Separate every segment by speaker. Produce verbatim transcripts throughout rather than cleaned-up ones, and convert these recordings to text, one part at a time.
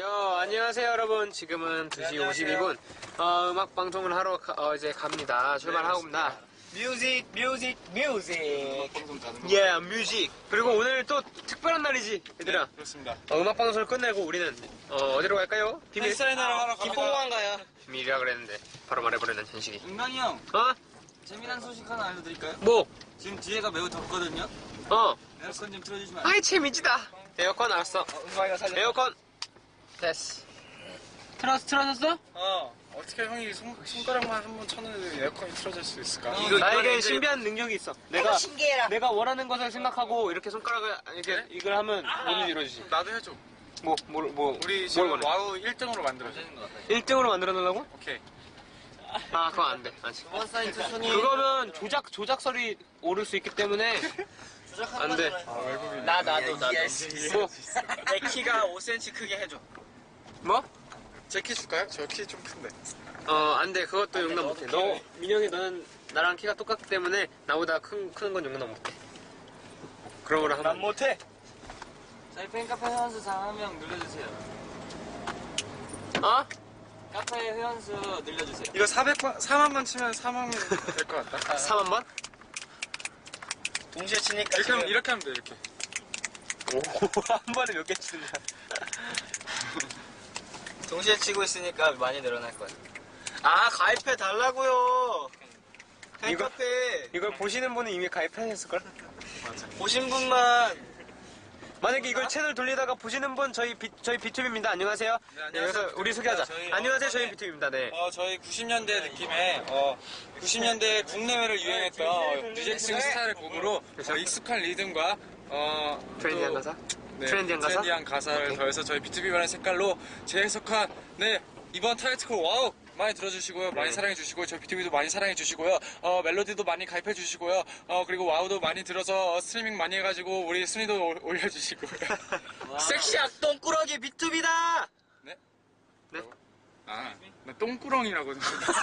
Speaker 1: 요, 안녕하세요 여러분. 지금은 두 시 오십이 분. 어, 음악 방송을 하러 가, 어, 이제 갑니다. 출발하고입니다.
Speaker 2: 뮤직, 뮤직, 뮤직.
Speaker 1: 예, yeah, 뮤직. 그리고 오늘 또 특별한 날이지, 얘들아.
Speaker 2: 네, 그렇습니다.
Speaker 1: 어, 음악 방송을 끝내고 우리는 어, 어디로 갈까요? 비밀.
Speaker 2: 팬사인회를 하러 갑니다.
Speaker 3: 김포공항 가요.
Speaker 1: 비밀이라 그랬는데 바로 말해버리는 현식이.
Speaker 3: 은강이 형,
Speaker 1: 어?
Speaker 3: 재미난 소식 하나 알려드릴까요?
Speaker 1: 뭐?
Speaker 3: 지금 뒤에가 매우 덥거든요.
Speaker 1: 어.
Speaker 3: 에어컨 좀 틀어주시면 안 돼요?
Speaker 1: 아이 재미지다. 에어컨 알았어.
Speaker 3: 어, 은강이가 살려.
Speaker 1: 에어컨. 됐어. 틀었 틀어졌어?
Speaker 2: 어, 어떻게 형이 손, 손가락만 한 번 쳤는데 에어컨이 틀어질 수 있을까?
Speaker 1: 이거 나에게 신비한 능력이 있어. 내가
Speaker 3: 신기해라.
Speaker 1: 내가 원하는 것을 생각하고 이렇게 손가락을 이렇게
Speaker 2: 그래?
Speaker 1: 이걸 하면 몸이 이루어지지.
Speaker 2: 나도 해줘.
Speaker 1: 뭐, 뭐, 뭐.
Speaker 2: 우리
Speaker 1: 뭘
Speaker 2: 지금
Speaker 1: 원해?
Speaker 2: 와우 일 등으로 만들어줘.
Speaker 1: 일 등으로 만들어 놓으려고?
Speaker 2: 오케이.
Speaker 1: 아, 그거 안 돼. 아직.
Speaker 3: 원 사인 투손이
Speaker 1: 그거면 조작 조작설이 오를 수 있기 때문에 안 돼.
Speaker 2: 아, 외국인.
Speaker 3: 나 나도 나도.
Speaker 1: 뭐?
Speaker 3: 내 키가 오 센티미터 크게 해줘.
Speaker 1: 뭐?
Speaker 2: 제 키 줄까요? 저 키 좀 큰데.
Speaker 1: 어, 안 돼. 그것도 용납 못 해. 너 민영이 너는 나랑 키가 똑같기 때문에 나보다 큰 큰 건 용납 못 해. 그런 거를 하면
Speaker 3: 못해. 저희 팬카페 회원수 사 명 늘려주세요.
Speaker 1: 어?
Speaker 3: 카페 회원수 늘려주세요.
Speaker 2: 이거 사백 번, 사만 번 치면 사만 명 될 것 같다.
Speaker 1: 사만 번?
Speaker 3: 동시에 치니까
Speaker 2: 이렇게 하면, 이렇게 하면 돼, 이렇게.
Speaker 1: 오, 한 번에 몇 개 치는 거야?
Speaker 3: 동시에 치고 있으니까 많이 늘어날 거야. 아 가입해 달라고요.
Speaker 1: 이거-
Speaker 3: 팬카페
Speaker 1: 이걸 보시는 분은 이미 가입하셨을걸?
Speaker 3: 보신 분만.
Speaker 1: 만약에 이걸 채널 돌리다가 보시는 분 저희 비, 저희 비투비입니다. 안녕하세요.
Speaker 2: 네, 안녕하세요.
Speaker 1: 그래서 우리 소개하자.
Speaker 2: 저희,
Speaker 1: 안녕하세요.
Speaker 2: 어,
Speaker 1: 저희
Speaker 2: 네.
Speaker 1: 비투비입니다. 네.
Speaker 2: 어, 저희 구십 년대 느낌의, 어, 구십 년대 국내외를 유행했던 어, 뮤직싱 스타일의 곡으로 어, 익숙한 리듬과, 어,
Speaker 1: 트렌디한
Speaker 2: 또,
Speaker 1: 가사?
Speaker 2: 네,
Speaker 1: 트렌디한 가사?
Speaker 2: 트렌디한 가사를
Speaker 1: 오케이.
Speaker 2: 더해서 저희 비투비라는 색깔로 재해석한, 네, 이번 타이틀곡 와우! 많이 들어주시고요. 많이
Speaker 1: 네.
Speaker 2: 사랑해주시고요. 저희 비투비도 많이 사랑해주시고요. 어, 멜로디도 많이 가입해주시고요. 어, 그리고 와우도 많이 들어서 어, 스트리밍 많이 해가지고 우리 순위도 올- 올려주시고요.
Speaker 3: 섹시 악동꾸러기 비투비다.
Speaker 2: 네?
Speaker 1: 네?
Speaker 2: 아, 나 똥꾸렁이라고.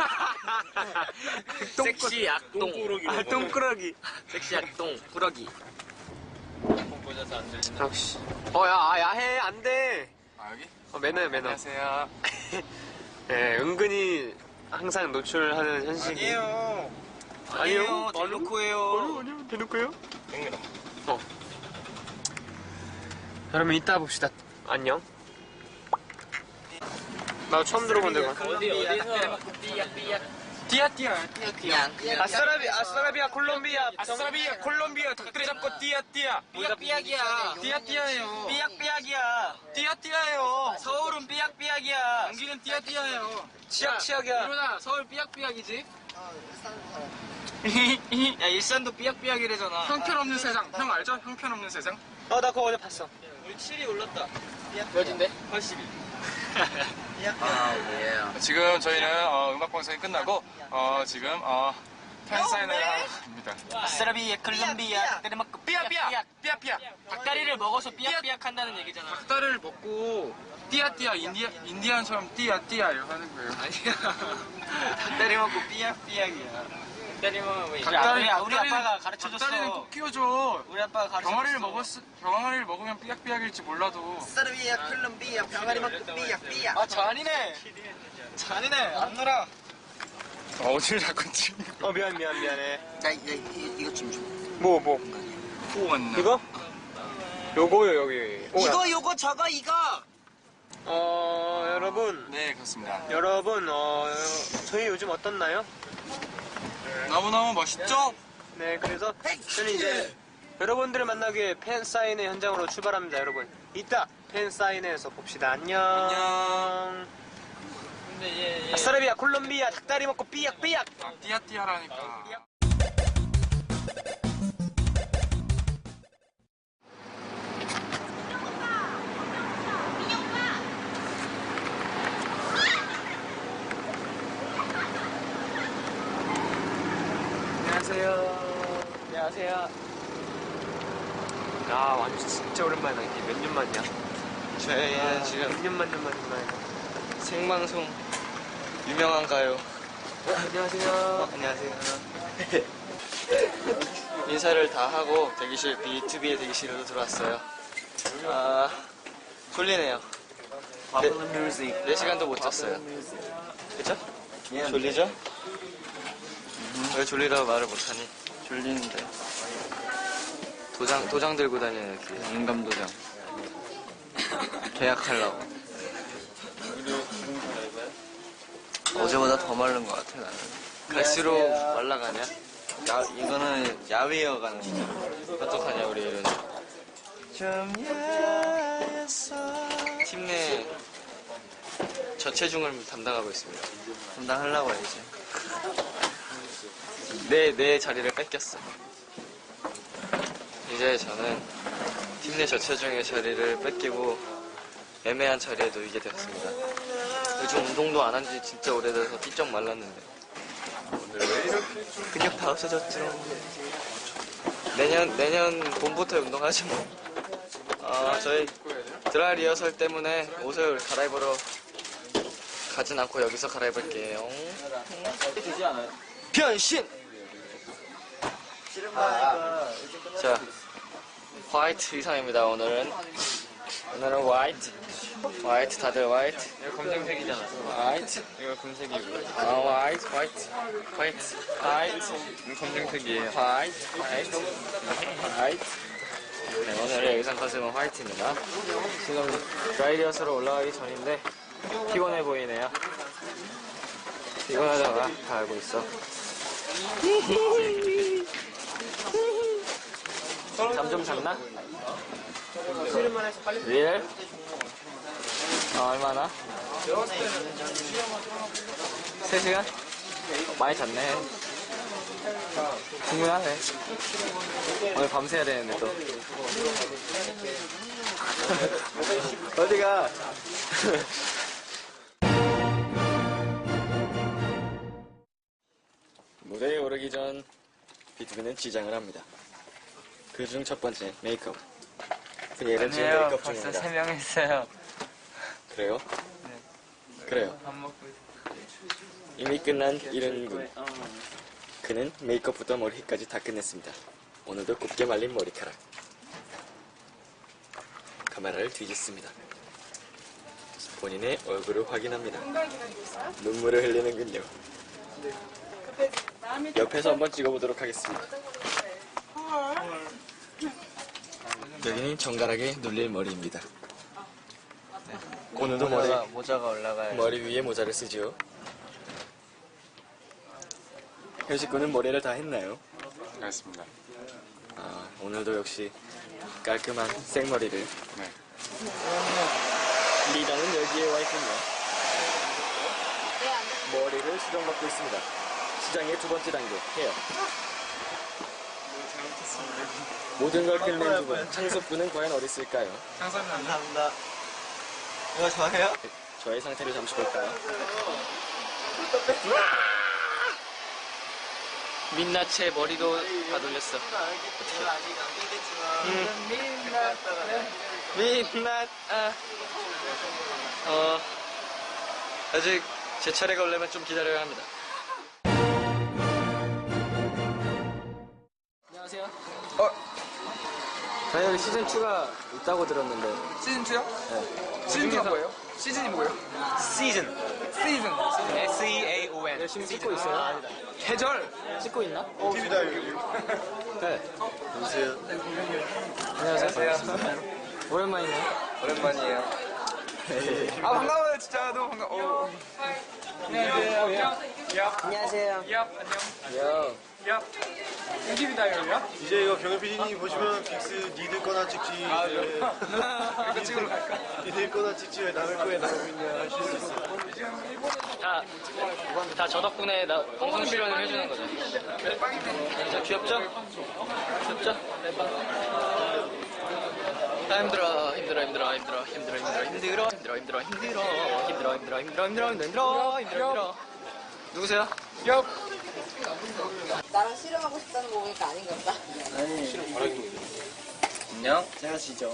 Speaker 3: 섹시 악동.
Speaker 1: 아, 똥꾸러기.
Speaker 3: 섹시 악동 꾸러기. 보셔서 안 들리나?
Speaker 1: 역시. 어, 야, 아, 야해. 안 돼.
Speaker 2: 아, 여기?
Speaker 1: 어, 매너야, 매너.
Speaker 2: 안녕하세요.
Speaker 1: 예, 은근히 항상 노출하는 현식이.
Speaker 2: 아니에요.
Speaker 1: 아니요.
Speaker 3: 대놓고예요.
Speaker 1: 아니요. 대놓고요?
Speaker 2: 됩니다.
Speaker 1: 어. 그러면 이따 봅시다. 안녕. 나 처음 들어본 데가.
Speaker 3: 어디 어디서?
Speaker 2: 띠야, 띠야.
Speaker 3: 그냥 그냥.
Speaker 1: 아싸라비, 아싸라비아, 콜롬비아.
Speaker 2: 아싸라비아, 콜롬비아, 닭다리 잡고 띠야, 띠야.
Speaker 3: 삐약삐약이야.
Speaker 2: 띠야, 띠야예요.
Speaker 3: 삐약삐약이야.
Speaker 2: 띠야, 띠야예요.
Speaker 3: 서울은 삐약삐약이야.
Speaker 2: 여기는 띠야, 띠야예요.
Speaker 1: 치약, 치약이야.
Speaker 3: 이러나 서울 삐약삐약이지? 야 일산도 삐약삐약이래잖아.
Speaker 2: 형편없는 세상. 형 알죠? 형편없는 세상.
Speaker 1: 어, 나 그거 어제 봤어.
Speaker 3: 우리 칠이 올랐다. 몇인데? 팔십이. 아 예.
Speaker 2: 지금 저희는 어, 음악 방송이 끝나고 어, 지금 어, 팬 사인회를 하러 갑니다.
Speaker 3: 아싸라비에 콜롬비아 닭다리 먹고 삐약삐약.
Speaker 2: 삐야, 삐야.
Speaker 3: 닭다리를 먹어서 삐약삐약 한다는 얘기잖아.
Speaker 2: 닭다리를 먹고 띠야, 띠야. 인디아, 인디안처럼 띠야, 띠야 이거 하는 거예요.
Speaker 3: 아니야. 닭다리 먹고 삐약삐약이야. 닭다리 먹으면 왜?
Speaker 2: 닭다리,
Speaker 3: 야, 우리, 우리
Speaker 2: 닭다리는-
Speaker 3: 아빠가 가르쳐줬어.
Speaker 2: 닭다리는 꼭 끼워줘.
Speaker 3: 우리 아빠가 가르쳐줬어.
Speaker 2: 병아리를 먹었, 병아리를 먹으면 삐약삐약일지 몰라도.
Speaker 4: 사르비아 콜롬비아 병아리 먹고 삐약삐약.
Speaker 3: 아 잔이네. 잔이네. 안 놀아.
Speaker 2: 아, 어딜 자꾸 지금.
Speaker 1: 어, 미안, 미안, 미안해.
Speaker 4: 야, 야, 이, 이거 좀 줘.
Speaker 1: 뭐, 뭐.
Speaker 2: 후원.
Speaker 1: 이거? 요거요, 여기. 오, 야.
Speaker 4: 이거, 요거, 저거, 이거.
Speaker 1: 어, 여러분.
Speaker 2: 네, 그렇습니다.
Speaker 1: 여러분, 어, 저희 요즘 어떻나요?
Speaker 2: 너무너무 멋있죠?
Speaker 1: 네, 그래서 저는 이제 여러분들을 만나기 위해 팬사인회 현장으로 출발합니다, 여러분. 이따 팬사인회에서 봅시다. 안녕.
Speaker 2: 안녕.
Speaker 3: 근데 얘, 얘.
Speaker 1: 아싸라비아, 콜롬비아, 닭다리 먹고 삐약삐약.
Speaker 2: 아, 띠야띠야라니까.
Speaker 1: 안녕하세요. 안녕하세요. 아, 완전 진짜 오랜만이다. 이게 몇 년 만이야?
Speaker 3: 저희는 지금
Speaker 1: 몇 년 만, 년 만, 년 만이야.
Speaker 3: 생방송 유명한가요?
Speaker 1: 어, 안녕하세요.
Speaker 3: 안녕하세요. 인사를 다 하고 대기실 비투비의 대기실로 들어왔어요. 아 졸리네요. 네 시간도 못 잤어요. 그쵸? 졸리죠? 왜 졸리다고 말을 못하니? 졸리는데. 도장, 도장 들고 다니는 이렇게. 인감 도장. 계약하려고. 어제보다 더 마른 것 같아, 나는. 갈수록 말라가냐? 야, 이거는 야위어 가는 거야. 어떡하냐, 우리 이런. 좀 야였어. 팀 내 저체중을 담당하고 있습니다. 담당하려고 해, 이제. 내, 내 자리를 뺏겼어. 이제 저는 팀 내 저체중의 자리를 뺏기고 애매한 자리에 놓이게 되었습니다. 요즘 운동도 안 한 지 진짜 오래돼서 삐쩍 말랐는데 근육 다 없어졌죠. 내년 내년 봄부터 운동하지 뭐. 아, 저희 드라이 리허설 때문에 옷을 갈아입으러 가진 않고 여기서 갈아입을게요. 변신! 자, 화이트 의상입니다. 오늘은 오늘은 화이트 화이트 다들 화이트.
Speaker 2: 이거 검정색이잖아.
Speaker 3: 화이트
Speaker 2: 이거 금색이고.
Speaker 3: 아 화이트 화이트 화이트 화이트
Speaker 2: 이거 검정색이에요.
Speaker 3: 화이트 화이트 화이트. 네, 오늘의 의상 컨셉은 화이트입니다. 지금 드라이 리허설로 올라가기 전인데 피곤해 보이네요. 피곤하다가 다 알고 있어. 잠 좀 잤나? 리얼? 아, 얼마나? 세 시간? 많이 잤네. 충분하네. 오늘 밤새야 되는데 또. 어디가? 무대에 오르기 전 비투비는 지장을 합니다. 그중 첫 번째 메이크업. 얘를 지금 메이크업
Speaker 2: 벌써
Speaker 3: 중입니다.
Speaker 2: 세 명 했어요.
Speaker 3: 그래요?
Speaker 2: 네.
Speaker 3: 그래요.
Speaker 2: 밥 먹고
Speaker 3: 이미 끝난 이른군. 그는 메이크업부터 머리까지 다 끝냈습니다. 오늘도 곱게 말린 머리카락. 카메라를 뒤집습니다. 본인의 얼굴을 확인합니다. 눈물을 흘리는군요. 옆에서 한번 찍어보도록 하겠습니다. 여기는 정갈하게 눌릴 머리입니다. 오늘도 머리,
Speaker 2: 모자가, 모자가 올라가요.
Speaker 3: 머리 위에 모자를 쓰죠. 현식군은 머리를 다 했나요?
Speaker 2: 알겠습니다.
Speaker 3: 아, 오늘도 역시 깔끔한 생머리를.
Speaker 2: 네.
Speaker 3: 리더는 여기에 와 있군요. 머리를 수정받고 있습니다. 수정의 두 번째 단계, 헤어. 모든 걸 끝낸 두 분, 창섭군은 과연 어디 있을까요?
Speaker 4: 감사합니다. 이거 저예요?
Speaker 3: 저의 상태를 잠시 볼까요? 민낯의 머리도 다 돌렸어. 민낯, 아. 어, 아직 제 차례가 오려면 좀 기다려야 합니다. 안녕하세요. 어? 저희 여기 시즌이가 있다고 들었는데.
Speaker 2: 시즌이요?
Speaker 3: 네.
Speaker 2: 시즌이가 뭐예요? 시즌이 뭐예요?
Speaker 3: 시즌.
Speaker 2: 시즌. S E A O N.
Speaker 3: 열심히 찍고 있어요.
Speaker 2: 계절.
Speaker 3: 찍고 있나?
Speaker 4: 티비다 여기.
Speaker 3: 네.
Speaker 4: 안녕하세요.
Speaker 3: 안녕하세요. 오랜만이네요.
Speaker 2: 오랜만이에요. 아, 반가워요. 진짜 너무 반가워. 안녕하세요. 야.
Speaker 4: 안녕하세요.
Speaker 2: 야, 안녕.
Speaker 3: 야.
Speaker 2: 야. 인기비다 이러냐?
Speaker 5: 이제 이거 경현 피디님 보시면 빅스 니들 거나 찍지
Speaker 2: 아,
Speaker 5: 이제
Speaker 2: 이거 찍으러 갈까?
Speaker 5: 니들 거나 찍지 왜 남의 거에 나오고 있냐 하실 수 있어요.
Speaker 3: 다, 다 저 덕분에 나 방송 출연을 해주는 거죠. 진짜 귀엽죠? 귀엽죠? 아, 힘들어, 힘들어, 힘들어, 힘들어, 힘들어, 힘들어, 힘들어, 힘들어, 힘들어, 힘들어, 힘들어, 힘들어, 힘들어, 힘들어, 힘들어, 힘들어, 힘들어, 힘들어. 누구세요?
Speaker 2: 야.
Speaker 6: 나랑 씨름하고 싶다는 거 보니까 아닌 것 같다.
Speaker 3: 안녕.
Speaker 4: 제가 지죠.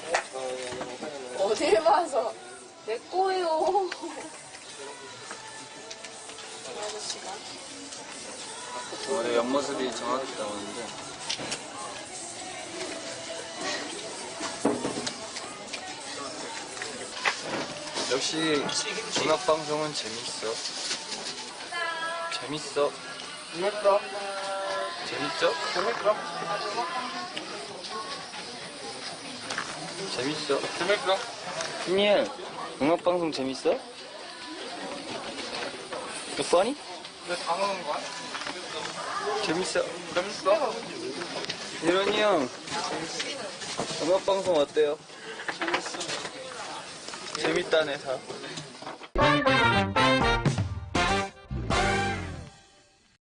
Speaker 6: 어딜 봐서 내 거예요. 이 아저씨가.
Speaker 3: 내 옆모습이 정확히 나오는데.
Speaker 2: 역시 음악 방송은 재밌어. 재밌어.
Speaker 5: 재밌어.
Speaker 2: 재밌죠?
Speaker 5: 재밌어.
Speaker 2: 재밌어.
Speaker 5: 재밌어.
Speaker 3: 준이 음악 방송 재밌어? 너 funny?
Speaker 5: 왜다 먹는 거야?
Speaker 3: 재밌어.
Speaker 5: 재밌어.
Speaker 3: 이런이 형 음악 방송 어때요? 재밌다네 다.